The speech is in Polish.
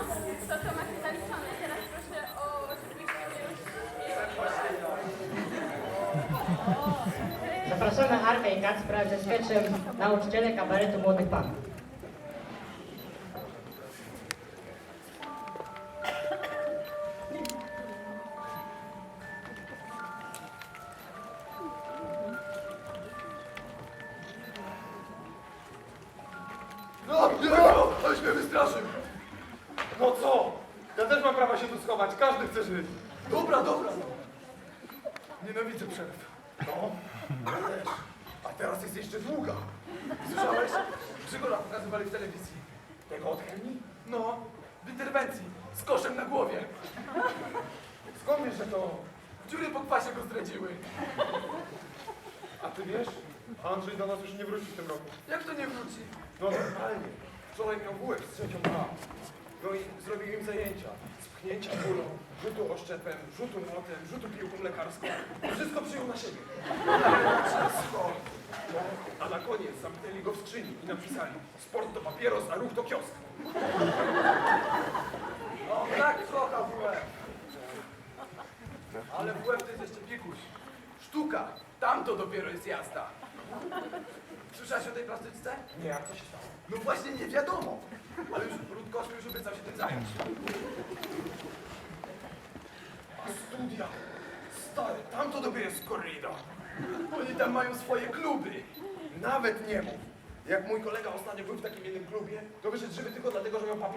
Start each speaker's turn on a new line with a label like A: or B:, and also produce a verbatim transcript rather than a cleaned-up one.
A: to to macie zaliczone. Teraz proszę o oczywiście
B: Zapraszamy Arkę i Kacpra ze sketchem Nauczyciele kabaretu młodych panów.
C: No, no, aleś mnie wystraszył. No co? Ja też mam prawo się tu schować, każdy chce żyć. Dobra, dobra. Nienawidzę przerw. No, ja też. A teraz jest jeszcze długa. Słyszałeś? Grzygola pokazywali w telewizji. Tego od chemii? No, w interwencji, z koszem na głowie. Skąd wiesz, że to dziury po kwasie go zdradziły? A ty wiesz? Andrzej do nas już nie wróci w tym roku. Jak to nie wróci? No normalnie. Wczoraj miał bułek z trzecią A. No i zrobił im zajęcia. Z pchnięcia kulą, rzutu oszczepem, rzutu młotem, rzutu piłką lekarską. Wszystko przyjął na siebie. Wszystko. No, a na koniec zamknęli go w skrzyni i napisali: sport to papieros, a ruch to kiosk. No tak, kocha W F. Ale W F to jest jeszcze piekuś. Sztuka. Tam to dopiero jest jazda. Słyszałeś o tej plastyczce? Nie, a co się stało? No właśnie nie wiadomo. Ale już Rutkowski już obiecał się tym zająć. A studia? Stary, tam to dopiero jest korrida. Oni tam mają swoje kluby. Nawet nie mów. Jak mój kolega ostatnio był w takim jednym klubie, to wyszedł żywy tylko dlatego, że miał papier.